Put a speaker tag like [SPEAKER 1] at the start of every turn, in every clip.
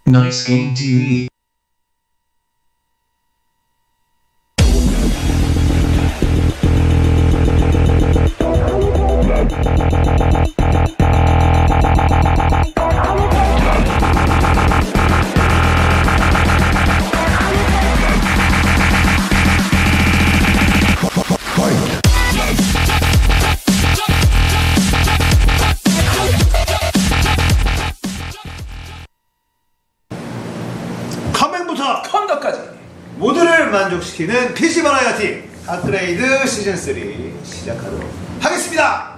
[SPEAKER 1] Nice Game TV.
[SPEAKER 2] 컴맹부터
[SPEAKER 3] 컴퓨터까지
[SPEAKER 2] 모두를 만족시키는 PC 버라이어티 업그레이드 시즌3 시작하도록 하겠습니다.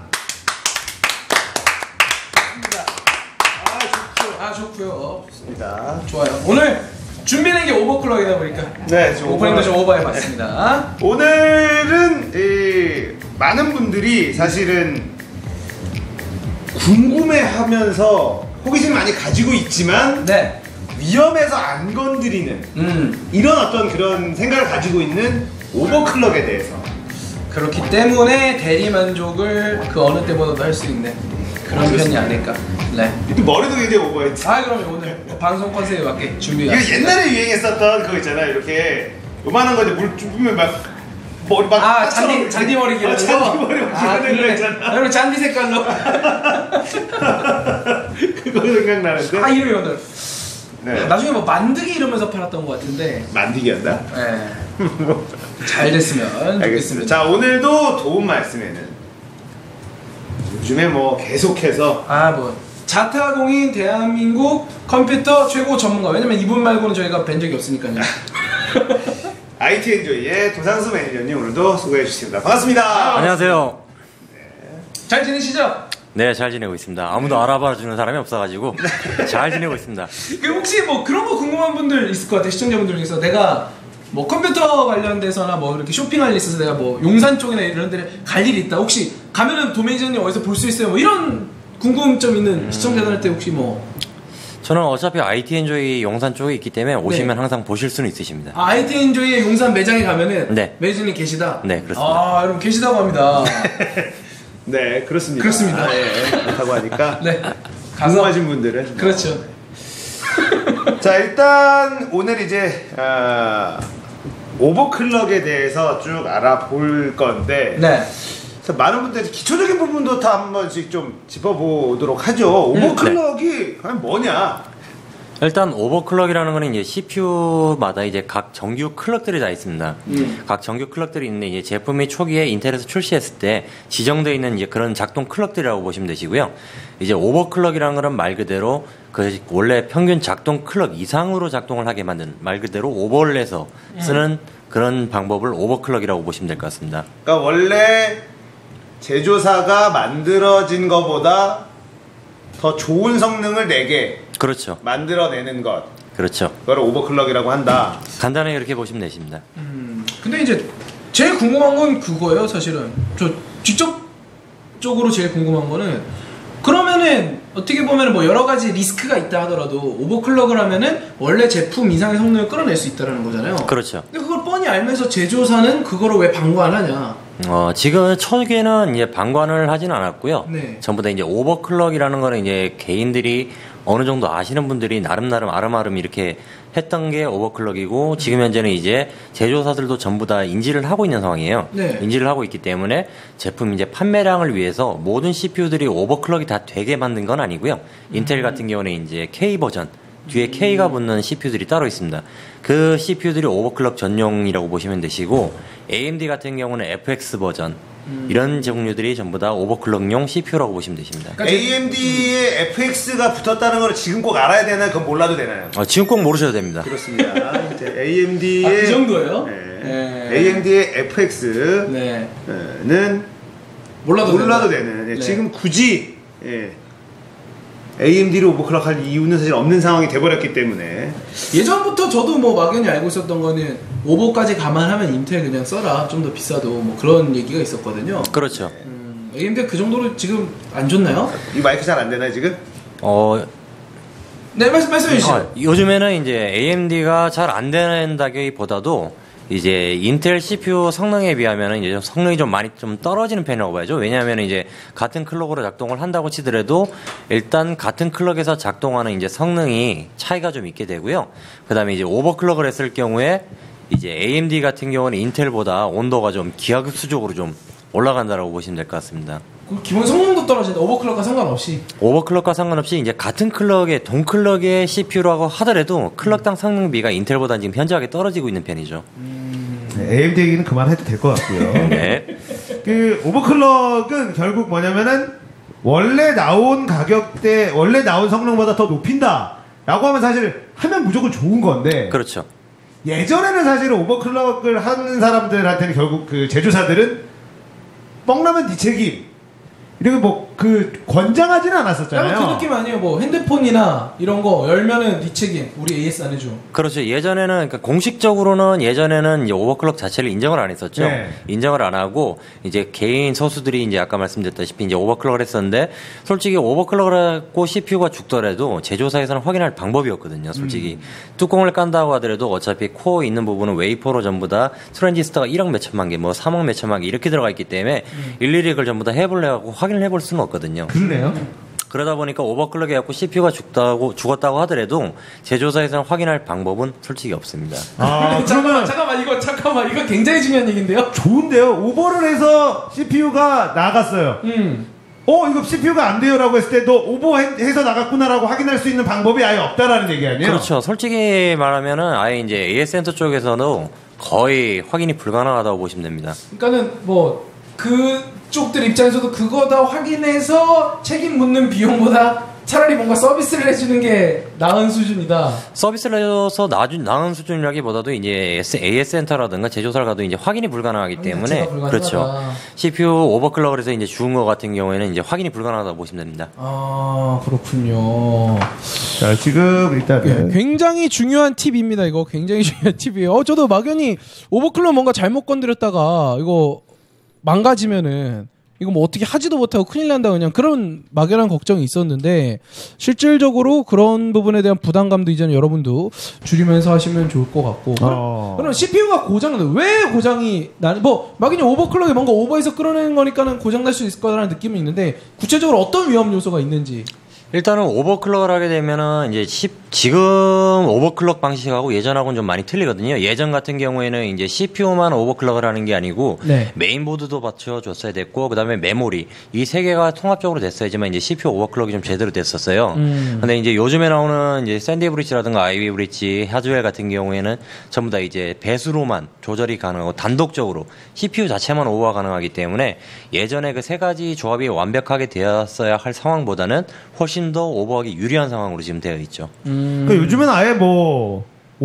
[SPEAKER 3] 좋고요.
[SPEAKER 2] 좋습니다.
[SPEAKER 3] 좋아요. 오늘 준비된 게 오버클럭이다 보니까
[SPEAKER 2] 네, 지금
[SPEAKER 3] 오프닝도 좀 오버해봤습니다.
[SPEAKER 2] 오늘은 많은 분들이 사실은 궁금해하면서 호기심 많이 가지고 있지만
[SPEAKER 3] 네.
[SPEAKER 2] 위험해서 안 건드리는 이런 어떤 그런 생각을 가지고 있는 오버클럭에 대해서
[SPEAKER 3] 그렇기 때문에 대리 만족을 그 어느 때보다도 할 수 있는 그런 편이 아닐까. 네.
[SPEAKER 2] 또 머리도 굉장히 오버했지.
[SPEAKER 3] 그러면 오늘 방송 컨셉에 맞게
[SPEAKER 2] 이거
[SPEAKER 3] 준비했습니다.
[SPEAKER 2] 옛날에 유행했었던 그거 있잖아. 이렇게 요만한 거에 물 뿜으면 막 머리 막
[SPEAKER 3] 잔디 머리 기르는 거.
[SPEAKER 2] 잔디 머리 기르는 거 있잖아.
[SPEAKER 3] 여러분 잔디 색깔로.
[SPEAKER 2] 그거 생각나는데.
[SPEAKER 3] 이름이 오늘.
[SPEAKER 2] 네.
[SPEAKER 3] 나중에 뭐 만드기 이러면서 팔았던 것 같은데.
[SPEAKER 2] 만들기 한다.
[SPEAKER 3] 네. 잘 됐으면
[SPEAKER 2] 알겠습니다.
[SPEAKER 3] 좋겠습니다.
[SPEAKER 2] 자, 오늘도 도움 말씀에는 요즘에 뭐 계속해서
[SPEAKER 3] 자타공인 대한민국 컴퓨터 최고 전문가. 왜냐면 이분 말고는 저희가 뵌 적이 없으니까요.
[SPEAKER 2] IT 엔조이의 도상수 매니저님 오늘도 수고해 주십니다. 반갑습니다.
[SPEAKER 4] 안녕하세요.
[SPEAKER 3] 잘 지내시죠?
[SPEAKER 4] 네, 잘 지내고 있습니다. 아무도 알아봐 주는 사람이 없어가지고 잘 지내고 있습니다.
[SPEAKER 3] 혹시 뭐 그런 거 궁금한 분들 있을 것 같아요. 시청자분들 중에서 내가 뭐 컴퓨터 관련돼서나 뭐 이렇게 쇼핑할 일 있어서 내가 뭐 용산 쪽이나 이런 데 갈 일이 있다. 혹시 가면은 도매니저님 어디서 볼 수 있어요? 뭐 이런 궁금점 있는 시청자들한테 혹시 뭐
[SPEAKER 4] 저는 어차피 IT 엔조이 용산 쪽에 있기 때문에 오시면
[SPEAKER 3] 네.
[SPEAKER 4] 항상 보실 수는 있으십니다.
[SPEAKER 3] IT 엔조이의 용산 매장에 가면은
[SPEAKER 4] 네.
[SPEAKER 3] 매니저님 계시다?
[SPEAKER 4] 네, 그렇습니다.
[SPEAKER 3] 여러분 계시다고 합니다.
[SPEAKER 2] 네, 그렇습니다.
[SPEAKER 3] 그렇습니다.
[SPEAKER 2] 그렇다고 하니까
[SPEAKER 3] 네.
[SPEAKER 2] 궁금하신 분들은
[SPEAKER 3] 그렇죠.
[SPEAKER 2] 자, 일단 오늘 이제 오버클럭에 대해서 쭉 알아볼 건데
[SPEAKER 3] 네.
[SPEAKER 2] 그래서 많은 분들이 기초적인 부분도 다 한 번씩 좀 짚어보도록 하죠. 오버클럭이 과연 뭐냐?
[SPEAKER 4] 일단 오버클럭이라는 거는 이제 CPU마다 이제 각 정규 클럭들이 다 있습니다. 각 정규 클럭들이 있는데 이제 제품이 초기에 인텔에서 출시했을 때 지정되어 있는 이제 그런 작동 클럭들이라고 보시면 되시고요. 이제 오버클럭이라는 거는 말 그대로 그 원래 평균 작동 클럭 이상으로 작동을 하게 만드는 말 그대로 오버를 해서 쓰는 그런 방법을 오버클럭이라고 보시면 될 것 같습니다.
[SPEAKER 2] 그러니까 원래 제조사가 만들어진 것보다 더 좋은 성능을 내게
[SPEAKER 4] 그렇죠.
[SPEAKER 2] 만들어내는 것,
[SPEAKER 4] 그렇죠.
[SPEAKER 2] 그걸 오버클럭이라고 한다.
[SPEAKER 4] 간단하게 그렇게 보시면 되십니다.
[SPEAKER 3] 근데 이제 제일 궁금한 건 그거예요. 사실은 저 직접적으로 제일 궁금한 거는 그러면은 어떻게 보면 뭐 여러 가지 리스크가 있다 하더라도 오버클럭을 하면은 원래 제품 이상의 성능을 끌어낼 수 있다는 거잖아요.
[SPEAKER 4] 그렇죠.
[SPEAKER 3] 근데 그걸 뻔히 알면서 제조사는 그거를 왜 방관하냐?
[SPEAKER 4] 지금 초기에는 이제 방관을 하진 않았고요.
[SPEAKER 3] 네.
[SPEAKER 4] 전부 다 이제 오버클럭이라는 거는 이제 개인들이 어느 정도 아시는 분들이 나름 아름아름 이렇게 했던 게 오버클럭이고 지금 현재는 이제 제조사들도 전부 다 인지를 하고 있는 상황이에요.
[SPEAKER 3] 네.
[SPEAKER 4] 인지를 하고 있기 때문에 제품 이제 판매량을 위해서 모든 CPU들이 오버클럭이 다 되게 만든 건 아니고요. 인텔 같은 경우는 이제 K 버전 뒤에 K가 붙는 CPU들이 따로 있습니다. 그 CPU들이 오버클럭 전용이라고 보시면 되시고 AMD 같은 경우는 FX 버전 이런 종류들이 전부 다 오버클럭용 CPU라고 보시면 되십니다.
[SPEAKER 3] 그러니까
[SPEAKER 2] AMD에 FX가 붙었다는 걸 지금 꼭 알아야 되나요? 그건 몰라도 되나요?
[SPEAKER 4] 지금 꼭 모르셔도 됩니다.
[SPEAKER 2] 그렇습니다. 이제 AMD의
[SPEAKER 3] 그 정도예요?
[SPEAKER 2] 네. AMD의 FX는
[SPEAKER 3] 네. 몰라도
[SPEAKER 2] 되는.
[SPEAKER 3] 네.
[SPEAKER 2] 지금 굳이 AMD를 오버클럭 할 이유는 사실 없는 상황이 돼버렸기 때문에
[SPEAKER 3] 예전부터 저도 뭐 막연히 알고 있었던 거는 오버까지 감안하면 인텔 그냥 써라. 좀 더 비싸도 뭐 그런 얘기가 있었거든요.
[SPEAKER 4] 그렇죠.
[SPEAKER 3] AMD가 그 정도로 지금 안 좋나요?
[SPEAKER 2] 이 마이크 잘 안 되나요 지금?
[SPEAKER 3] 네, 말씀해 주시죠.
[SPEAKER 4] 요즘에는 이제 AMD가 잘 안 된다기보다도 이제 인텔 CPU 성능에 비하면 이제 성능이 좀 많이 좀 떨어지는 편이라고 봐야죠. 왜냐하면 이제 같은 클럭으로 작동을 한다고 치더라도 일단 같은 클럭에서 작동하는 이제 성능이 차이가 좀 있게 되고요. 그다음에 이제 오버클럭을 했을 경우에 이제 AMD 같은 경우는 인텔보다 온도가 좀 기하급수적으로 좀 올라간다라고 보시면 될 것 같습니다.
[SPEAKER 3] 기본 성능도 떨어진다. 오버클럭과 상관없이.
[SPEAKER 4] 오버클럭과 상관없이 이제 같은 클럭의 동클럭의 CPU라고 하더라도 클럭당 성능비가 인텔보다 지금 현저하게 떨어지고 있는 편이죠.
[SPEAKER 2] 네, AMD 얘기는 그만해도 될 것 같고요.
[SPEAKER 4] 네.
[SPEAKER 2] 그 오버클럭은 결국 뭐냐면은 원래 나온 가격대, 원래 나온 성능보다 더 높인다라고 하면 사실 하면 무조건 좋은 건데.
[SPEAKER 4] 그렇죠.
[SPEAKER 2] 예전에는 사실 오버클럭을 하는 사람들한테는 결국 그 제조사들은 뻥나면 네 책임. 이렇게 뭐 그 권장하지는 않았었잖아요.
[SPEAKER 3] 약간 그 느낌 아니에요? 뭐 핸드폰이나 이런 거 열면은 네 책임. 우리 AS 안 해줘.
[SPEAKER 4] 그렇죠. 예전에는 그러니까 공식적으로는 예전에는 이제 오버클럭 자체를 인정을 안 했었죠.
[SPEAKER 2] 네.
[SPEAKER 4] 인정을 안 하고 이제 개인 소수들이 이제 아까 말씀드렸다시피 이제 오버클럭을 했었는데 솔직히 오버클럭을 하고 CPU가 죽더라도 제조사에서는 확인할 방법이었거든요. 솔직히 뚜껑을 깐다고 하더라도 어차피 코어 있는 부분은 웨이퍼로 전부 다 트랜지스터가 1억 몇 천만 개, 뭐 3억 몇 천만 개 이렇게 들어가 있기 때문에 일일이 그걸 전부 다 해보려고 확인을 해볼 수는 없거든요.
[SPEAKER 2] 그러네요.
[SPEAKER 4] 그러다 보니까 오버클럭 해갖고 CPU가 죽었다고 하더라도 제조사에서는 확인할 방법은 솔직히 없습니다.
[SPEAKER 2] 아,
[SPEAKER 3] 잠깐만 이거 굉장히 중요한 얘기인데요.
[SPEAKER 2] 좋은데요. 오버를 해서 CPU가 나갔어요. 이거 CPU가 안 돼요라고 했을 때 너 오버해서 나갔구나라고 확인할 수 있는 방법이 아예 없다라는 얘기 아니에요?
[SPEAKER 4] 그렇죠. 솔직히 말하면은 아예 이제 AS 센터 쪽에서도 거의 확인이 불가능하다고 보시면 됩니다.
[SPEAKER 3] 그러니까는 뭐 그쪽들 입장에서도 그거 다 확인해서 책임 묻는 비용보다 차라리 뭔가 서비스를 해주는 게 나은 수준이다.
[SPEAKER 4] 서비스를 해서 나은 수준이라기보다도 이제 AS 센터라든가 제조사를 가도 이제 확인이 불가능하기 때문에 그렇죠. CPU 오버클럭을 해서 이제 죽은 것 같은 경우에는 이제 확인이 불가능하다고 보시면 됩니다.
[SPEAKER 3] 아 그렇군요.
[SPEAKER 2] 자 지금 일단은
[SPEAKER 1] 굉장히 중요한 팁입니다. 이거 굉장히 중요한 팁이에요. 저도 막연히 오버클럭 뭔가 잘못 건드렸다가 이거 망가지면은 이거 뭐 어떻게 하지도 못하고 큰일 난다 그냥 그런 막연한 걱정이 있었는데 실질적으로 그런 부분에 대한 부담감도 이제는 여러분도 줄이면서 하시면 좋을 것 같고 그럼 CPU가 고장나는데 왜 고장이 나는 뭐 막연히 오버클럭이 뭔가 오버해서 끌어내는 거니까는 고장 날 수 있을 거라는 느낌은 있는데 구체적으로 어떤 위험 요소가 있는지
[SPEAKER 4] 일단은 오버클럭을 하게 되면은 이제 지금 오버클럭 방식하고 예전하고는 좀 많이 틀리거든요. 예전 같은 경우에는 이제 CPU만 오버클럭을 하는 게 아니고
[SPEAKER 1] 네.
[SPEAKER 4] 메인보드도 받쳐줬어야 됐고 그다음에 메모리 이 세 개가 통합적으로 됐어야지만 이제 CPU 오버클럭이 좀 제대로 됐었어요. 근데 이제 요즘에 나오는 이제 샌디 브릿지라든가 아이비 브릿지, 하즈웰 같은 경우에는 전부 다 이제 배수로만 조절이 가능하고 단독적으로 CPU 자체만 오버가 가능하기 때문에 예전에 그 세 가지 조합이 완벽하게 되었어야 할 상황보다는 훨씬 더 오버하기 유리한 상황으로 지금 되어 있죠.
[SPEAKER 2] 그러니까 요즘은 아예 뭐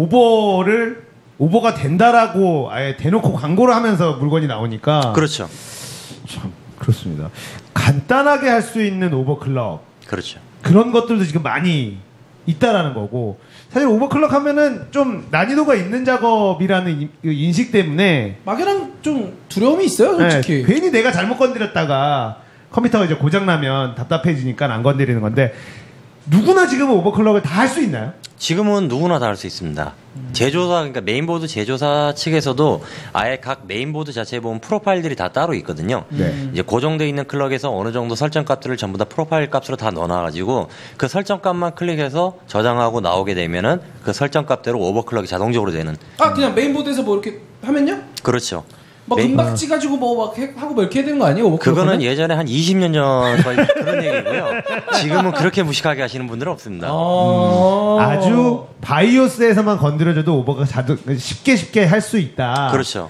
[SPEAKER 2] 오버가 된다라고 아예 대놓고 광고를 하면서 물건이 나오니까
[SPEAKER 4] 그렇죠.
[SPEAKER 2] 참 그렇습니다. 간단하게 할 수 있는 오버클럭
[SPEAKER 4] 그렇죠.
[SPEAKER 2] 그런 것들도 지금 많이 있다라는 거고 사실 오버클럭 하면은 좀 난이도가 있는 작업이라는 인식 때문에
[SPEAKER 3] 막연한 좀 두려움이 있어요 솔직히.
[SPEAKER 2] 네, 괜히 내가 잘못 건드렸다가 컴퓨터가 이제 고장나면 답답해지니까 안 건드리는 건데 누구나 지금은 오버클럭을 다 할 수 있나요?
[SPEAKER 4] 지금은 누구나 다 할 수 있습니다. 제조사, 그러니까 메인보드 제조사 측에서도 아예 각 메인보드 자체에 보면 프로파일들이 다 따로 있거든요.
[SPEAKER 2] 네.
[SPEAKER 4] 이제 고정되어 있는 클럭에서 어느 정도 설정 값들을 전부 다 프로파일 값으로 다 넣어놔가지고 그 설정 값만 클릭해서 저장하고 나오게 되면은 그 설정 값대로 오버클럭이 자동적으로 되는.
[SPEAKER 3] 그냥 메인보드에서 뭐 이렇게 하면요?
[SPEAKER 4] 그렇죠.
[SPEAKER 3] 막 금박지 가지고 뭐 막 하고 뭐 이렇게 해야 되는 거 아니에요? 오버클럭
[SPEAKER 4] 그거는 예전에 한 20년 전 그런 얘기고요. 지금은 그렇게 무식하게 하시는 분들은 없습니다.
[SPEAKER 2] 아주 바이오스에서만 건드려줘도 오버가 쉽게 할 수 있다.
[SPEAKER 4] 그렇죠.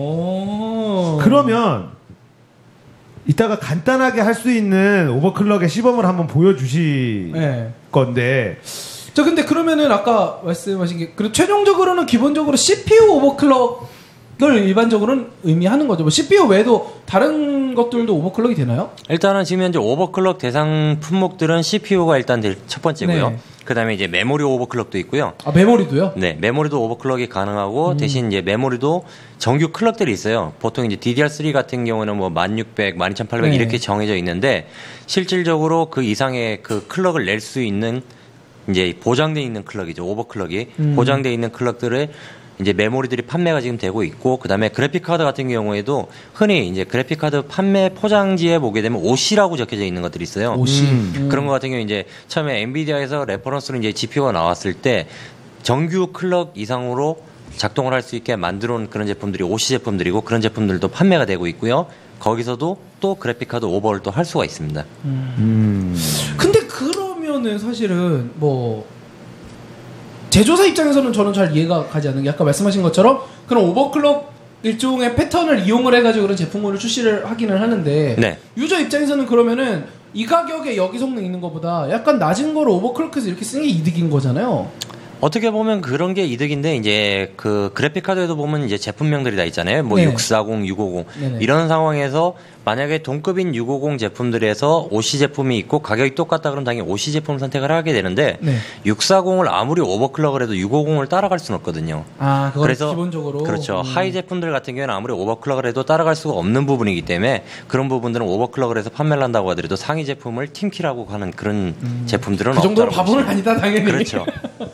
[SPEAKER 2] 그러면 이따가 간단하게 할 수 있는 오버클럭의 시범을 한번 보여주실 건데
[SPEAKER 3] 저 근데 그러면은 아까 말씀하신 게 그리고 최종적으로는 기본적으로 CPU 오버클럭 을 일반적으로는 의미하는 거죠. 뭐 CPU 외에도 다른 것들도 오버클럭이 되나요?
[SPEAKER 4] 일단은 지금 현재 오버클럭 대상 품목들은 CPU가 일단 첫 번째고요.
[SPEAKER 3] 네.
[SPEAKER 4] 그다음에 이제 메모리 오버클럭도 있고요.
[SPEAKER 3] 메모리도요?
[SPEAKER 4] 네, 메모리도 오버클럭이 가능하고 대신 이제 메모리도 정규 클럭들이 있어요. 보통 이제 DDR3 같은 경우는 뭐 1600, 12800
[SPEAKER 3] 네.
[SPEAKER 4] 이렇게 정해져 있는데 실질적으로 그 이상의 그 클럭을 낼 수 있는 이제 보장되어 있는 클럭이죠. 오버클럭이 보장되어 있는 클럭들을 이제 메모리들이 판매가 지금 되고 있고 그다음에 그래픽 카드 같은 경우에도 흔히 이제 그래픽 카드 판매 포장지에 보게 되면 OC라고 적혀져 있는 것들이 있어요.
[SPEAKER 3] OC.
[SPEAKER 4] 그런 것 같은 경우 이제 처음에 엔비디아에서 레퍼런스로 이제 GPU가 나왔을 때 정규 클럭 이상으로 작동을 할 수 있게 만들어 놓은 그런 제품들이 OC 제품들이고 그런 제품들도 판매가 되고 있고요. 거기서도 또 그래픽 카드 오버를 또 할 수가 있습니다.
[SPEAKER 3] 근데 그러면은 사실은 뭐 제조사 입장에서는 저는 잘 이해가 가지 않는 게 아까 말씀하신 것처럼 그런 오버클럭 일종의 패턴을 이용을 해가지고 그런 제품을 출시를 하기는 하는데
[SPEAKER 4] 네.
[SPEAKER 3] 유저 입장에서는 그러면은 이 가격에 여기 성능 있는 것보다 약간 낮은 거를 오버클럭해서 이렇게 쓰는 게 이득인 거잖아요.
[SPEAKER 4] 어떻게 보면 그런 게 이득인데 이제 그 그래픽 카드에도 보면 이제 제품명들이 다 있잖아요. 뭐
[SPEAKER 3] 네.
[SPEAKER 4] 640, 650
[SPEAKER 3] 네네.
[SPEAKER 4] 이런 상황에서 만약에 동급인 650 제품들에서 OC 제품이 있고 가격이 똑같다 그러면 당연히 OC 제품 선택을 하게 되는데
[SPEAKER 3] 네.
[SPEAKER 4] 640을 아무리 오버클럭을 해도 650을 따라갈 수는 없거든요.
[SPEAKER 3] 아, 그거
[SPEAKER 4] 그래서
[SPEAKER 3] 기본적으로
[SPEAKER 4] 그렇죠. 하이 제품들 같은 경우에는 아무리 오버클럭을 해도 따라갈 수가 없는 부분이기 때문에 그런 부분들은 오버클럭을 해서 판매를 한다고 하더라도 상위 제품을 팀키라고 하는 그런 제품들은
[SPEAKER 3] 그 정도로
[SPEAKER 4] 없다고
[SPEAKER 3] 바보는
[SPEAKER 4] 보시면
[SPEAKER 3] 아니다 당연히.
[SPEAKER 4] 그렇죠.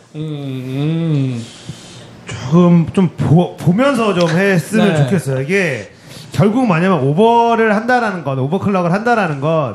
[SPEAKER 2] 조금 좀 보면서 좀 했으면
[SPEAKER 3] 네.
[SPEAKER 2] 좋겠어요. 이게 결국 뭐냐면 오버를 한다라는 건 오버클럭을 한다라는 건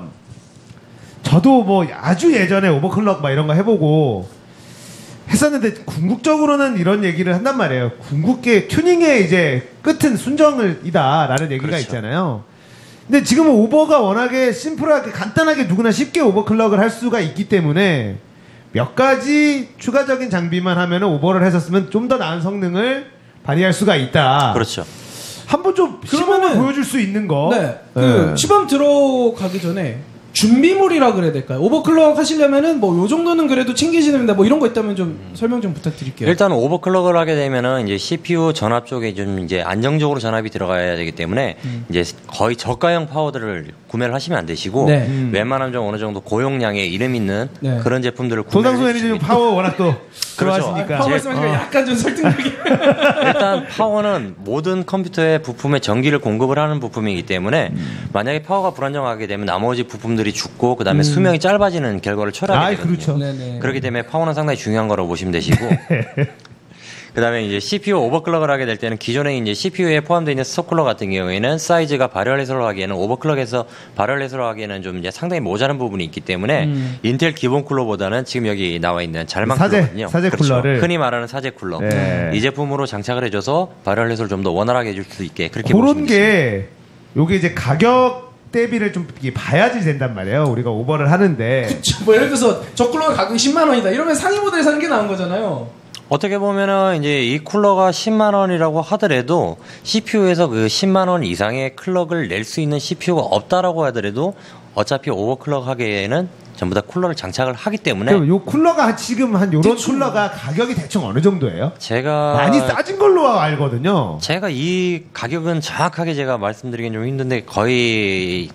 [SPEAKER 2] 저도 뭐 아주 예전에 오버클럭 막 이런 거 해보고 했었는데 궁극적으로는 이런 얘기를 한단 말이에요. 궁극계 튜닝의 이제 끝은 순정이다라는 얘기가
[SPEAKER 4] 그렇죠.
[SPEAKER 2] 있잖아요. 근데 지금은 오버가 워낙에 심플하게 간단하게 누구나 쉽게 오버클럭을 할 수가 있기 때문에 몇 가지 추가적인 장비만 하면은 오버를 했었으면 좀 더 나은 성능을 발휘할 수가 있다.
[SPEAKER 4] 그렇죠.
[SPEAKER 2] 한번 좀 시범을
[SPEAKER 3] 그러면은-
[SPEAKER 2] 보여줄 수 있는 거.
[SPEAKER 3] 네. 그
[SPEAKER 2] 네.
[SPEAKER 3] 시범 들어가기 전에 준비물이라 그래야 될까요? 오버클럭 하시려면은 뭐 요 정도는 그래도 챙기시면 된다. 뭐 이런 거 있다면 좀 설명 좀 부탁드릴게요.
[SPEAKER 4] 일단 오버클럭을 하게 되면은 이제 CPU 전압 쪽에 좀 이제 안정적으로 전압이 들어가야 되기 때문에 이제 거의 저가형 파워들을 구매를 하시면 안 되시고
[SPEAKER 3] 네.
[SPEAKER 4] 웬만하면 좀 어느 정도 고용량의 이름 있는
[SPEAKER 3] 네.
[SPEAKER 4] 그런 제품들을
[SPEAKER 2] 도상수
[SPEAKER 4] 구매를
[SPEAKER 2] 매니저님
[SPEAKER 4] 해주시면
[SPEAKER 2] 파워 워낙 또
[SPEAKER 4] 그렇죠.
[SPEAKER 2] 좋아하시니까.
[SPEAKER 3] 파워 말씀하시면 약간 좀 설득력이.
[SPEAKER 4] 일단 파워는 모든 컴퓨터의 부품에 전기를 공급을 하는 부품이기 때문에 만약에 파워가 불안정하게 되면 나머지 부품들이 죽고 그다음에 수명이 짧아지는 결과를 초래하게 되거든요.
[SPEAKER 2] 그렇죠.
[SPEAKER 3] 네네.
[SPEAKER 4] 그렇기 때문에 파워는 상당히 중요한 거라고 보시면 되시고 그다음에 이제 CPU 오버클럭을 하게 될 때는 기존에 이제 CPU에 포함되어 있는 스토클러 같은 경우에는 사이즈가 발열 해소를 하기에는 오버클럭에서 발열 해소를 하기에는 좀 이제 상당히 모자란 부분이 있기 때문에 인텔 기본 쿨러보다는 지금 여기 나와 있는 잘만 쿨러거든요.
[SPEAKER 2] 사제
[SPEAKER 4] 그렇죠.
[SPEAKER 2] 쿨러를.
[SPEAKER 4] 흔히 말하는 사제 쿨러
[SPEAKER 2] 네.
[SPEAKER 4] 이 제품으로 장착을 해줘서 발열 해소를 좀 더 원활하게 해줄 수 있게 그렇게 보시면
[SPEAKER 2] 그런
[SPEAKER 4] 되겠습니다.
[SPEAKER 2] 게 요게 이제 가격 대비를 좀 이게 봐야지 된단 말이에요. 우리가 오버를 하는데.
[SPEAKER 3] 뭐 예를 들어서 저 쿨러가 가격이 10만 원이다. 이러면 상위 모델 사는 게 나은 거잖아요.
[SPEAKER 4] 어떻게 보면은 이제 이 쿨러가 10만 원이라고 하더라도 CPU에서 그 10만 원 이상의 클럭을 낼 수 있는 CPU가 없다라고 하더라도 어차피 오버클럭 하기에는 전부 다 쿨러를 장착을 하기 때문에
[SPEAKER 2] 그럼 요 쿨러가 지금 한 요런
[SPEAKER 3] 대충.
[SPEAKER 2] 쿨러가 가격이 대충 어느 정도예요?
[SPEAKER 4] 제가
[SPEAKER 2] 많이 싸진 걸로 알거든요.
[SPEAKER 4] 제가 이 가격은 정확하게 제가 말씀드리긴 좀 힘든데 거의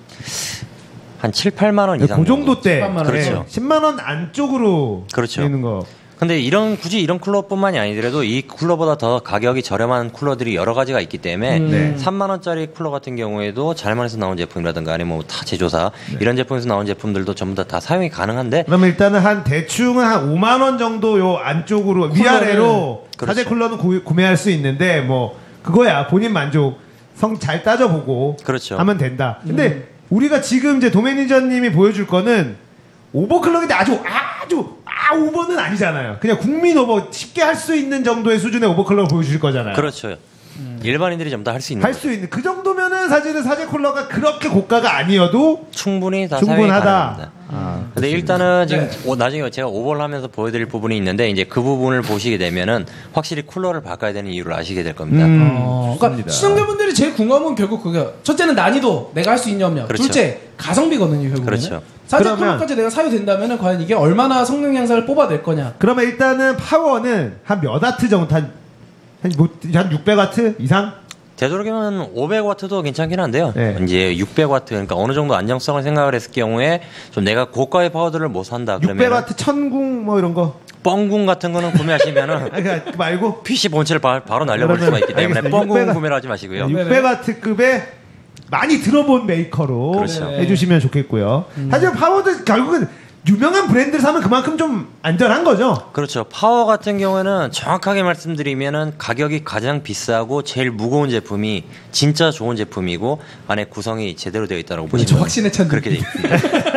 [SPEAKER 4] 한 7, 8만 원 이상
[SPEAKER 2] 그 정도 때
[SPEAKER 3] 10만 원.
[SPEAKER 4] 그렇죠.
[SPEAKER 2] 10만 원 안쪽으로
[SPEAKER 4] 그렇죠.
[SPEAKER 2] 되는 거.
[SPEAKER 4] 근데 굳이 이런 쿨러뿐만이 아니더라도 이 쿨러보다 더 가격이 저렴한 쿨러들이 여러 가지가 있기 때문에
[SPEAKER 2] 네.
[SPEAKER 4] 3만 원짜리 쿨러 같은 경우에도 잘만해서 나온 제품이라든가 아니면 뭐 타 제조사 이런 제품에서 나온 제품들도 전부 다 사용이 가능한데
[SPEAKER 2] 그러면 일단은 한 대충은 한 5만 원 정도 요 안쪽으로 위아래로
[SPEAKER 4] 그렇죠.
[SPEAKER 2] 사제 쿨러는 구매할 수 있는데 뭐 그거야 본인 만족 성 잘 따져보고
[SPEAKER 4] 그렇죠.
[SPEAKER 2] 하면 된다. 근데 우리가 지금 이제 도매니저님이 보여줄 거는 오버클럭인데 아주 오버는 아니잖아요. 그냥 국민 오버 쉽게 할 수 있는 정도의 수준의 오버클럭을 보여주실 거잖아요.
[SPEAKER 4] 그렇죠. 일반인들이 전부 다 할 수 있는
[SPEAKER 2] 할 수 있는 그 정도면은 사실은 사제 쿨러가 그렇게 고가가 아니어도
[SPEAKER 4] 충분히 다 사용이
[SPEAKER 2] 충분하다.
[SPEAKER 4] 가능합니다. 근데 일단은 지금
[SPEAKER 3] 네.
[SPEAKER 4] 나중에 제가 오버를 하면서 보여드릴 부분이 있는데 이제 그 부분을 보시게 되면은 확실히 쿨러를 바꿔야 되는 이유를 아시게 될 겁니다.
[SPEAKER 3] 그러니까
[SPEAKER 2] 좋습니다.
[SPEAKER 3] 시청자분들이 제일 궁금한 건 결국 그게 첫째는 난이도 내가 할 수 있냐 없냐.
[SPEAKER 4] 그렇죠.
[SPEAKER 3] 둘째 가성비거든요 결국에는.
[SPEAKER 4] 그렇죠.
[SPEAKER 3] 사제
[SPEAKER 2] 그러면-
[SPEAKER 3] 쿨러까지 내가 사유된다면 과연 이게 얼마나 성능 향상을 뽑아낼 거냐.
[SPEAKER 2] 그러면 일단은 파워는 한 몇 와트 정도 한 600와트 이상?
[SPEAKER 4] 되도록이면 500와트도 괜찮긴 한데요.
[SPEAKER 2] 네.
[SPEAKER 4] 이제 600와트 그러니까 어느 정도 안정성을 생각을 했을 경우에 좀 내가 고가의 파워들을 못 산다 그러면
[SPEAKER 2] 600와트 천궁 뭐 이런 거.
[SPEAKER 4] 뻥궁 같은 거는 구매하시면은
[SPEAKER 2] 아니 그러니까 말고
[SPEAKER 4] PC 본체를 바로 날려버릴 수가 있기 때문에
[SPEAKER 2] 알겠습니다.
[SPEAKER 4] 뻥궁
[SPEAKER 2] 600
[SPEAKER 4] 구매를 하지 마시고요.
[SPEAKER 2] 600와트급의 많이 들어본 메이커로
[SPEAKER 4] 그렇죠.
[SPEAKER 2] 해주시면 좋겠고요. 하지만 파워도 결국은 유명한 브랜드를 사면 그만큼 좀 안전한 거죠.
[SPEAKER 4] 그렇죠. 파워 같은 경우에는 정확하게 말씀드리면은 가격이 가장 비싸고 제일 무거운 제품이 진짜 좋은 제품이고 안에 구성이 제대로 되어 있다고 보시면
[SPEAKER 3] 확신에 찬
[SPEAKER 4] 그렇게 돼 있습니다.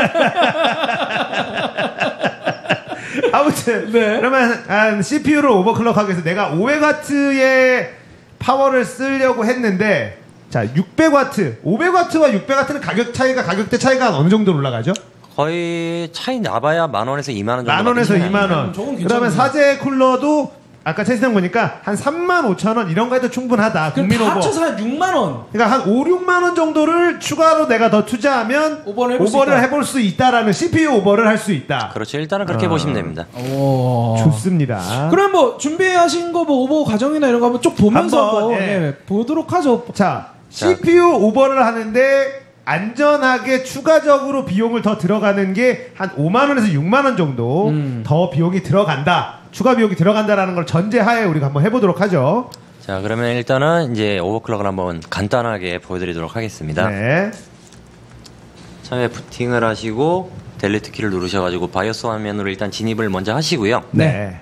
[SPEAKER 2] 아무튼 그러면 CPU를 오버클럭하기 위해서 내가 500W의 파워를 쓰려고 했는데 자 600W, 500W와 600W는 가격대 차이가 어느 정도 올라가죠?
[SPEAKER 4] 거의 차이 나봐야 10,000원에서 20,000원 정도.
[SPEAKER 2] 10,000원에서 20,000원. 그러면 사제 쿨러도 아까 채팅창 보니까 한 35,000원 이런 거 해도 충분하다.
[SPEAKER 3] 그럼 다 합쳐서 한 6만 원.
[SPEAKER 2] 그러니까 한 5, 6만 원 정도를 추가로 내가 더 투자하면 오버를 해볼 수 있다라는 CPU 오버를 할 수 있다.
[SPEAKER 4] 그렇죠. 일단은 그렇게 보시면 됩니다.
[SPEAKER 2] 좋습니다.
[SPEAKER 1] 그럼 뭐 준비하신 거 뭐 오버 과정이나 이런 거 한번 쭉 보면서 한번, 보도록 하죠.
[SPEAKER 2] 자, CPU 오버를 하는데 안전하게 추가적으로 비용을 더 들어가는 게 한 5만 원에서 6만 원 정도 더 비용이 들어간다. 추가 비용이 들어간다라는 걸 전제하에 우리가 한번 해보도록 하죠.
[SPEAKER 4] 자, 그러면 일단은 이제 오버클럭을 한번 간단하게 보여드리도록 하겠습니다.
[SPEAKER 2] 네.
[SPEAKER 4] 처음에 부팅을 하시고 델리트 키를 누르셔가지고 바이오스 화면으로 일단 진입을 먼저 하시고요.
[SPEAKER 2] 네.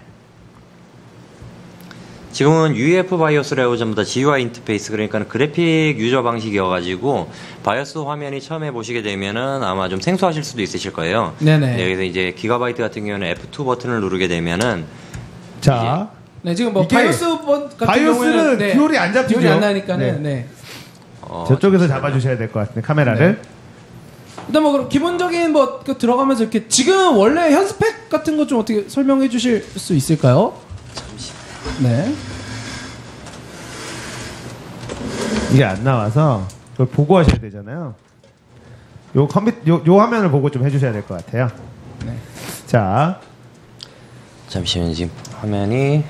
[SPEAKER 4] 지금은 UEF 바이오스라고 전부 다 GUI 인터페이스 그러니까 그래픽 유저 방식이어가지고 바이오스 화면이 처음에 보시게 되면은 아마 좀 생소하실 수도 있으실 거예요.
[SPEAKER 1] 네네.
[SPEAKER 4] 네, 여기서 이제 기가바이트 같은 경우는 F2 버튼을 누르게 되면은
[SPEAKER 2] 자,
[SPEAKER 1] 네 지금 뭐
[SPEAKER 2] 이게
[SPEAKER 1] 바이오스 같은
[SPEAKER 2] 바이오스는
[SPEAKER 1] 경우에는
[SPEAKER 2] 듀얼이 안 잡히죠.
[SPEAKER 1] 듀얼이 안 나니까는 네.
[SPEAKER 2] 저쪽에서 잡아주셔야 될 것 같은데 카메라를.
[SPEAKER 1] 네. 일단 뭐 그럼 기본적인 뭐 들어가면서 이렇게 지금 원래 현 스펙 같은 거 좀 어떻게 설명해 주실 수 있을까요? 네.
[SPEAKER 2] 이게 안 나와서 그걸 보고 하셔야 되잖아요. 요 화면을 보고 좀 해주셔야 될 것 같아요.
[SPEAKER 1] 네.
[SPEAKER 2] 자,
[SPEAKER 4] 잠시만요. 지금 화면이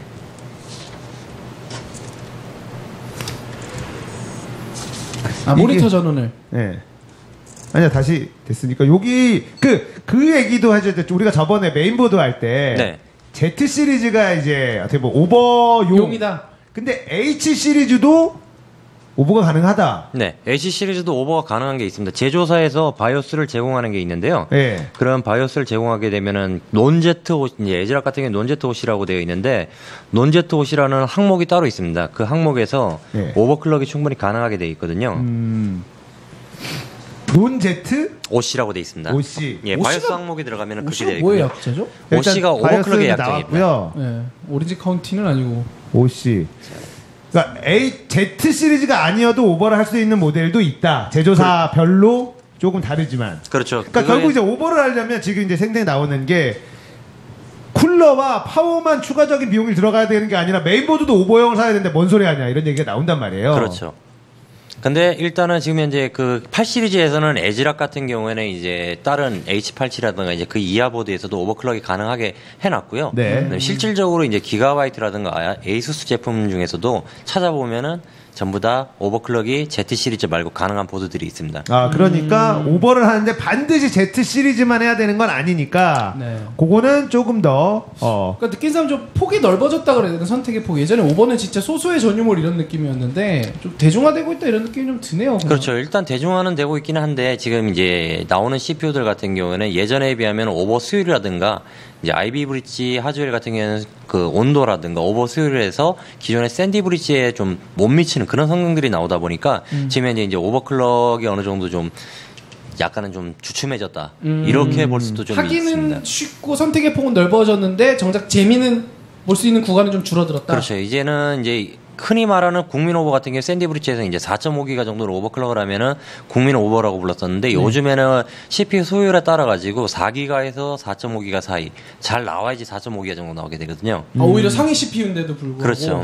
[SPEAKER 1] 모니터 전원을.
[SPEAKER 2] 네. 아니야 다시 됐으니까 여기 그 얘기도 해줘야 돼. 우리가 저번에 메인보드 할 때
[SPEAKER 4] 네.
[SPEAKER 2] Z 시리즈가 이제 어떻게 뭐 오버용이다. 근데 H 시리즈도 오버가 가능하다.
[SPEAKER 4] 네, H 시리즈도 오버가 가능한 게 있습니다. 제조사에서 바이오스를 제공하는 게 있는데요.
[SPEAKER 2] 네.
[SPEAKER 4] 그런 바이오스를 제공하게 되면은 논제트 옷, 이제 에즈락 같은 경우는 논제트 옷이라고 되어 있는데 논제트 옷이라는 항목이 따로 있습니다. 그 항목에서
[SPEAKER 2] 네.
[SPEAKER 4] 오버클럭이 충분히 가능하게 되어 있거든요.
[SPEAKER 2] 논제트
[SPEAKER 4] OC라고 되어 있습니다.
[SPEAKER 2] OC.
[SPEAKER 4] 예, 바이오스 항목이 들어가면은 그렇게 되어
[SPEAKER 1] 뭐의
[SPEAKER 4] 있고요.
[SPEAKER 1] 약자죠?
[SPEAKER 4] OC가 오버클럭의 약자입니다.
[SPEAKER 2] 나왔고요.
[SPEAKER 1] 네. 오렌지 카운티는 아니고.
[SPEAKER 2] OC. 그러니까 Z 시리즈가 아니어도 오버를 할 수 있는 모델도 있다. 제조사별로 조금 다르지만.
[SPEAKER 4] 그렇죠.
[SPEAKER 2] 그러니까 결국 이제 오버를 하려면 지금 이제 생생히 나오는 게 쿨러와 파워만 추가적인 비용이 들어가야 되는 게 아니라 메인보드도 오버형을 사야 되는데 뭔 소리 하냐 이런 얘기가 나온단 말이에요.
[SPEAKER 4] 그렇죠. 근데 일단은 지금 현재 그 8 시리즈에서는 에즈락 같은 경우에는 이제 다른 H87이라든가 이제 그 이하 보드에서도 오버클럭이 가능하게 해놨고요.
[SPEAKER 2] 네.
[SPEAKER 4] 실질적으로 이제 기가바이트라든가 에이수스 제품 중에서도 찾아보면은 전부 다 오버클럭이 Z 시리즈 말고 가능한 보드들이 있습니다.
[SPEAKER 2] 아, 그러니까 오버를 하는데 반드시 Z 시리즈만 해야 되는 건 아니니까
[SPEAKER 1] 네.
[SPEAKER 2] 그거는 조금 더
[SPEAKER 1] 그러니까 느낀 사람 좀 폭이 넓어졌다 그래야 되나 선택의 폭. 예전에 오버는 진짜 소수의 전유물 이런 느낌이었는데 좀 대중화되고 있다 이런 느낌이 좀 드네요. 그냥.
[SPEAKER 4] 그렇죠. 일단 대중화는 되고 있기는 한데 지금 이제 나오는 CPU들 같은 경우에는 예전에 비하면 오버 수율이라든가 이제 아이비 브릿지 하드웰 같은 경우에는 그 온도라든가 오버 수율을 해서 기존의 샌디 브릿지에 좀 못 미치는 그런 성능들이 나오다 보니까 지금 이제 오버클럭이 어느 정도 좀 약간은 좀 주춤해졌다 이렇게 볼 수도 좀
[SPEAKER 1] 하기는
[SPEAKER 4] 있습니다.
[SPEAKER 1] 쉽고 선택의 폭은 넓어졌는데 정작 재미는 볼 수 있는 구간은 좀 줄어들었다.
[SPEAKER 4] 그렇죠. 이제는 이제 흔히 말하는 국민 오버 같은 경우 샌디 브릿지에서 이제 4.5기가 정도로 오버클럭을 하면은 국민 오버라고 불렀었는데 요즘에는 CPU 소율에 따라 가지고 4기가에서 4.5기가 사이 잘 나와야지 4.5기가 정도 나오게 되거든요.
[SPEAKER 1] 오히려 상위 CPU인데도 불구하고.
[SPEAKER 4] 그렇죠.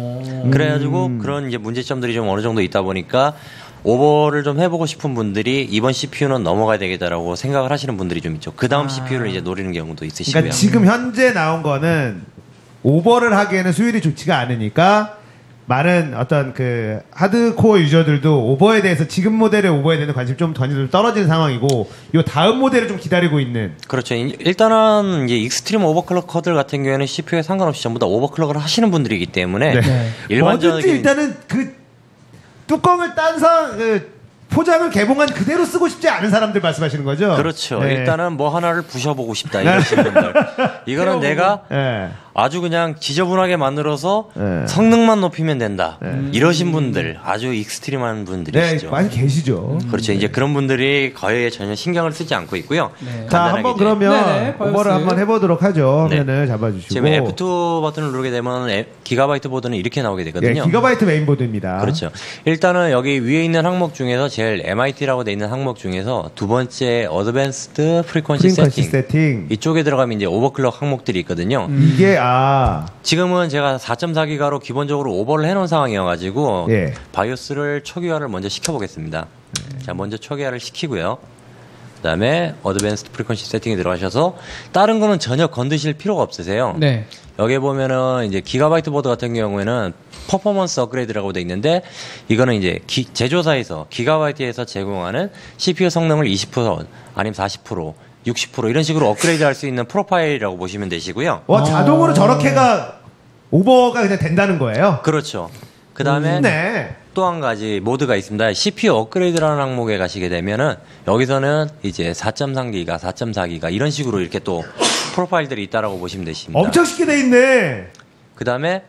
[SPEAKER 4] 그래가지고 그런 이제 문제점들이 좀 어느 정도 있다 보니까 오버를 좀 해보고 싶은 분들이 이번 CPU는 넘어가야 되겠다라고 생각을 하시는 분들이 좀 있죠. 그 다음 CPU를 이제 노리는 경우도 있으시고요.
[SPEAKER 2] 그러니까 지금 현재 나온 거는 오버를 하기에는 수율이 좋지가 않으니까 많은 어떤 그 하드코어 유저들도 오버에 대해서 지금 모델의 오버에 대한 관심이 좀 떨어지는 상황이고 요 다음 모델을 좀 기다리고 있는.
[SPEAKER 4] 그렇죠. 일단은 이제 익스트림 오버클럭커들 같은 경우에는 CPU에 상관없이 전부 다 오버클럭을 하시는 분들이기 때문에
[SPEAKER 2] 네.
[SPEAKER 4] 일반적인
[SPEAKER 2] 뭐든지 일단은 그 뚜껑을 딴 포장을 개봉한 그대로 쓰고 싶지 않은 사람들 말씀하시는 거죠?
[SPEAKER 4] 그렇죠.
[SPEAKER 2] 네.
[SPEAKER 4] 일단은 뭐 하나를 부셔보고 싶다 이러시는 분들. 이거는 내가
[SPEAKER 2] 네.
[SPEAKER 4] 아주 그냥 지저분하게 만들어서
[SPEAKER 2] 네.
[SPEAKER 4] 성능만 높이면 된다. 이러신 분들 아주 익스트림한
[SPEAKER 2] 네,
[SPEAKER 4] 분들이시죠.
[SPEAKER 2] 많이 계시죠.
[SPEAKER 4] 그렇죠. 이제 그런 분들이 거의 전혀 신경을 쓰지 않고 있고요.
[SPEAKER 3] 네.
[SPEAKER 2] 자,
[SPEAKER 4] 간단하게
[SPEAKER 2] 한번
[SPEAKER 4] 이제
[SPEAKER 2] 그러면
[SPEAKER 3] 네네,
[SPEAKER 2] 오버를
[SPEAKER 3] 바이오스.
[SPEAKER 2] 한번 해보도록 하죠.
[SPEAKER 4] 네.
[SPEAKER 2] 화면을 잡아주시고.
[SPEAKER 4] 지금 F2 버튼을 누르게 되면 기가바이트 보드는 이렇게 나오게
[SPEAKER 2] 예,
[SPEAKER 4] 되거든요.
[SPEAKER 2] 기가바이트 메인보드입니다.
[SPEAKER 4] 그렇죠. 일단은 여기 위에 있는 항목 중에서 제일 MIT라고 돼 있는 항목 중에서 두 번째 어드밴스드 프리퀀시 세팅. 이쪽에 들어가면 이제 오버클럭 항목들이 있거든요.
[SPEAKER 2] 이게
[SPEAKER 4] 지금은 제가 4.4기가로 기본적으로 오버를 해놓은 상황이어가지고
[SPEAKER 2] 예.
[SPEAKER 4] 바이오스를 초기화를 먼저 시켜보겠습니다. 자, 먼저 초기화를 시키고요. 그다음에 어드밴스드 프리퀀시 세팅에 들어가셔서 다른 거는 전혀 건드실 필요가 없으세요.
[SPEAKER 3] 네.
[SPEAKER 4] 여기 보면은 이제 기가바이트 보드 같은 경우에는 퍼포먼스 업그레이드라고 돼 있는데 이거는 이제 제조사에서 기가바이트에서 제공하는 CPU 성능을 20% 아니면 40% 60% 이런 식으로 업그레이드 할 수 있는 프로파일이라고 보시면 되시고요.
[SPEAKER 2] 자동으로 저렇게가 오버가 그냥 된다는 거예요?
[SPEAKER 4] 그렇죠. 그 다음에
[SPEAKER 2] 네.
[SPEAKER 4] 또 한 가지 모드가 있습니다. CPU 업그레이드라는 항목에 가시게 되면은 여기서는 이제 4.3기가, 4.4기가 이런 식으로 이렇게 또 프로파일들이 있다라고 보시면 되십니다.
[SPEAKER 2] 엄청 쉽게 돼 있네.
[SPEAKER 4] 그 다음에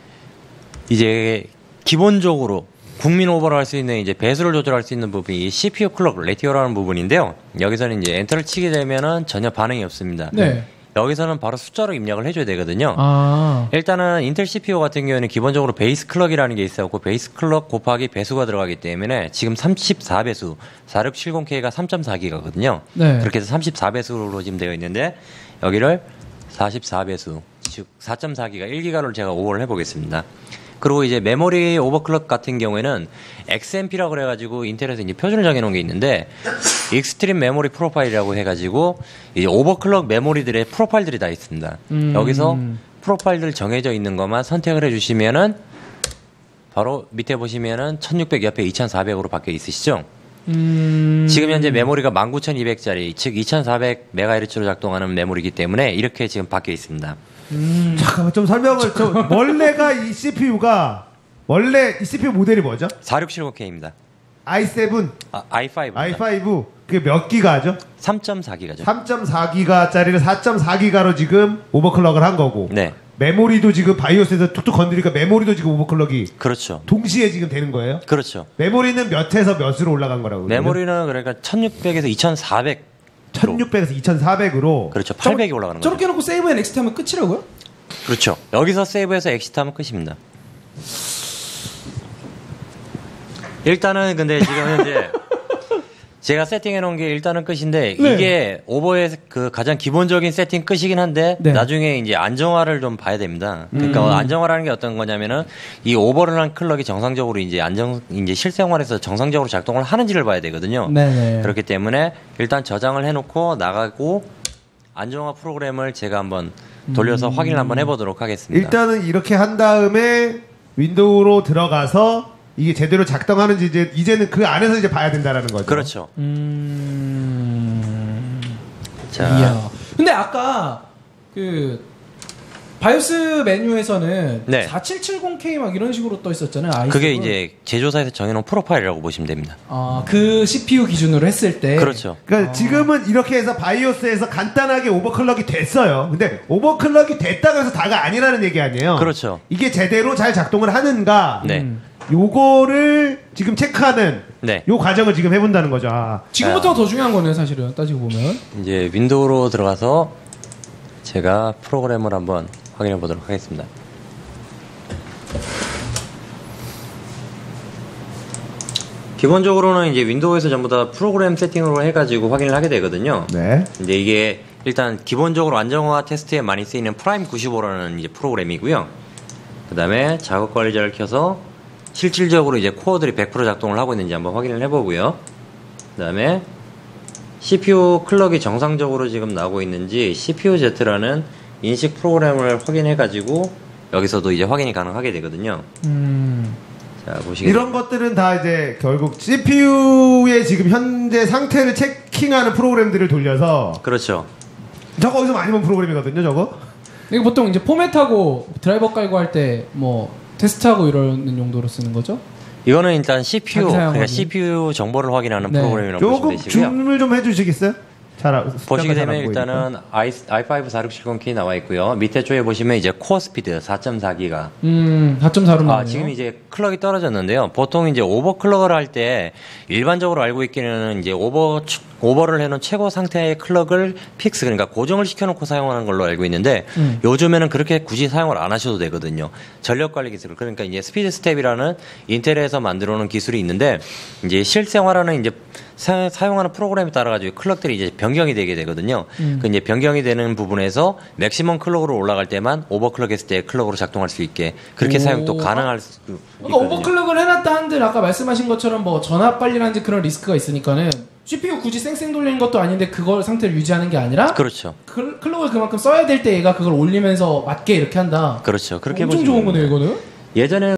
[SPEAKER 4] 이제 기본적으로 국민 오버를 할 수 있는 이제 배수를 조절할 수 있는 부분이 CPU 클럭 레티오라는 부분인데요. 여기서는 이제 엔터를 치게 되면은 전혀 반응이 없습니다.
[SPEAKER 3] 네.
[SPEAKER 4] 여기서는 바로 숫자로 입력을 해줘야 되거든요.
[SPEAKER 3] 아.
[SPEAKER 4] 일단은 인텔 CPU 같은 경우에는 기본적으로 베이스 클럭이라는 게 있어갖고 베이스 클럭 곱하기 배수가 들어가기 때문에 지금 34배수 4670K가 3.4기가거든요.
[SPEAKER 3] 네.
[SPEAKER 4] 그렇게 해서 34배수로 지금 되어 있는데 여기를 44배수 즉 4.4기가 1기가로 제가 오버를 해보겠습니다. 그리고 이제 메모리 오버클럭 같은 경우에는 XMP라고 그래가지고 인텔에서 이제 표준을 정해놓은 게 있는데 익스트림 메모리 프로파일이라고 해가지고 이제 오버클럭 메모리들의 프로파일들이 다 있습니다. 여기서 프로파일들 정해져 있는 것만 선택을 해주시면은 바로 밑에 보시면은 1600 옆에 2400으로 바뀌어 있으시죠? 지금 현재 메모리가 19200짜리 즉 2400MHz로 작동하는 메모리이기 때문에 이렇게 지금 바뀌어 있습니다.
[SPEAKER 2] 잠깐만 좀 설명을 원래가 이 CPU가 원래 이 CPU 모델이 뭐죠?
[SPEAKER 4] 4670K입니다.
[SPEAKER 2] i7,
[SPEAKER 4] i5.
[SPEAKER 2] i5 그게 몇 기가죠?
[SPEAKER 4] 3.4기가죠.
[SPEAKER 2] 3.4기가짜리를 4.4기가로 지금 오버클럭을 한 거고.
[SPEAKER 4] 네.
[SPEAKER 2] 메모리도 지금 바이오스에서 툭툭 건드리니까 메모리도 지금 오버클럭이
[SPEAKER 4] 그렇죠.
[SPEAKER 2] 동시에 지금 되는 거예요?
[SPEAKER 4] 그렇죠.
[SPEAKER 2] 메모리는 몇에서 몇으로 올라간 거라고요?
[SPEAKER 4] 메모리는 그러니까 1600에서 2400.
[SPEAKER 2] 1600에서 2400으로
[SPEAKER 4] 그렇죠. 800이 올라가는 거죠.
[SPEAKER 3] 저렇게 해놓고 세이브 앤 엑스트 하면 끝이라고요?
[SPEAKER 4] 그렇죠. 여기서 세이브해서 엑시트 하면 끝입니다. 일단은 근데 지금 현재 제가 세팅해 놓은 게 일단은 끝인데
[SPEAKER 3] 네.
[SPEAKER 4] 이게 오버의 그 가장 기본적인 세팅 끝이긴 한데
[SPEAKER 3] 네.
[SPEAKER 4] 나중에 이제 안정화를 좀 봐야 됩니다. 그러니까 안정화라는 게 어떤 거냐면은 이 오버를 한 클럭이 정상적으로 이제 이제 실생활에서 정상적으로 작동을 하는지를 봐야 되거든요.
[SPEAKER 3] 네네.
[SPEAKER 4] 그렇기 때문에 일단 저장을 해놓고 나가고 안정화 프로그램을 제가 한번 돌려서 확인을 한번 해보도록 하겠습니다.
[SPEAKER 2] 일단은 이렇게 한 다음에 윈도우로 들어가서 이게 제대로 작동하는지 이제는 그 안에서 이제 봐야 된다라는 거죠.
[SPEAKER 4] 그렇죠. 자,
[SPEAKER 3] 이야. 근데 아까 그 바이오스 메뉴에서는
[SPEAKER 4] 네.
[SPEAKER 3] 4770K 막 이런 식으로 떠 있었잖아요. i7은.
[SPEAKER 4] 그게 이제 제조사에서 정해놓은 프로파일이라고 보시면 됩니다.
[SPEAKER 3] 그 CPU 기준으로 했을 때.
[SPEAKER 4] 그렇죠.
[SPEAKER 2] 그러니까 지금은 이렇게 해서 바이오스에서 간단하게 오버클럭이 됐어요. 근데 오버클럭이 됐다고 해서 다가 아니라는 얘기 아니에요.
[SPEAKER 4] 그렇죠.
[SPEAKER 2] 이게 제대로 잘 작동을 하는가?
[SPEAKER 4] 네.
[SPEAKER 2] 요거를 지금 체크하는
[SPEAKER 4] 네.
[SPEAKER 2] 요 과정을 지금 해본다는 거죠.
[SPEAKER 3] 지금부터가 더 중요한 거네요, 사실은 따지고 보면.
[SPEAKER 4] 이제 윈도우로 들어가서 제가 프로그램을 한번 확인해 보도록 하겠습니다. 기본적으로는 이제 윈도우에서 전부 다 프로그램 세팅으로 해가지고 확인을 하게 되거든요.
[SPEAKER 2] 네.
[SPEAKER 4] 이제 이게 일단 기본적으로 안정화 테스트에 많이 쓰이는 프라임 95라는 이제 프로그램이고요. 그 다음에 작업 관리자를 켜서 실질적으로 이제 코어들이 100% 작동을 하고 있는지 한번 확인을 해보고요. 그 다음에 CPU 클럭이 정상적으로 지금 나오고 있는지 CPU-Z라는 인식 프로그램을 확인해가지고 여기서도 이제 확인이 가능하게 되거든요. 자, 보시겠습니다.
[SPEAKER 2] 이런 것들은 다 이제 결국 CPU의 지금 현재 상태를 체킹하는 프로그램들을 돌려서
[SPEAKER 4] 그렇죠.
[SPEAKER 2] 저거 어디서 많이 본 프로그램이거든요, 저거.
[SPEAKER 3] 이거 보통 이제 포맷하고 드라이버 깔고 할 때 뭐 테스트하고 이러는 용도로 쓰는 거죠?
[SPEAKER 4] 이거는 일단 CPU,
[SPEAKER 1] 자기 사용
[SPEAKER 4] 그러니까
[SPEAKER 1] 확인.
[SPEAKER 4] CPU 정보를 확인하는
[SPEAKER 1] 네.
[SPEAKER 4] 프로그램이라고 보시면
[SPEAKER 2] 조금
[SPEAKER 4] 되시고요.
[SPEAKER 2] 줌을 좀 해주시겠어요?
[SPEAKER 4] 보시게 되면
[SPEAKER 2] 숫자가 잘 안
[SPEAKER 4] 일단은 i5 4670K 나와 있고요. 밑에 쪽에 보시면 이제 코어 스피드 4.4기가.
[SPEAKER 1] 4.4로 나와요.
[SPEAKER 4] 지금 이제 클럭이 떨어졌는데요. 보통 이제 오버클럭을 할 때 일반적으로 알고 있기는 이제 오버를 해놓은 최고 상태의 클럭을 픽스, 그러니까 고정을 시켜놓고 사용하는 걸로 알고 있는데 요즘에는 그렇게 굳이 사용을 안 하셔도 되거든요. 전력 관리 기술, 그러니까 이제 스피드 스텝이라는 인텔에서 만들어 놓은 기술이 있는데 이제 실생활하는 이제 사용하는 프로그램에 따라 가지고 클럭들이 이제 변경이 되게 되거든요. 그 이제 변경이 되는 부분에서 맥시멈 클럭으로 올라갈 때만 오버클럭했을 때 클럭으로 작동할 수 있게 그렇게 사용도 가능할 수 있거든요.
[SPEAKER 1] 그러니까 오버클럭을 해놨다 한들 아까 말씀하신 것처럼 뭐 전압 관리라든지 그런 리스크가 있으니까는 CPU 굳이 쌩쌩 돌리는 것도 아닌데 그걸 상태를 유지하는 게 아니라
[SPEAKER 4] 그렇죠.
[SPEAKER 1] 클럭을 그만큼 써야 될 때 얘가 그걸 올리면서 맞게 이렇게 한다.
[SPEAKER 4] 그렇죠. 그렇게
[SPEAKER 1] 엄청
[SPEAKER 4] 보시면
[SPEAKER 1] 좋은 거네요, 이거는.
[SPEAKER 4] 예전에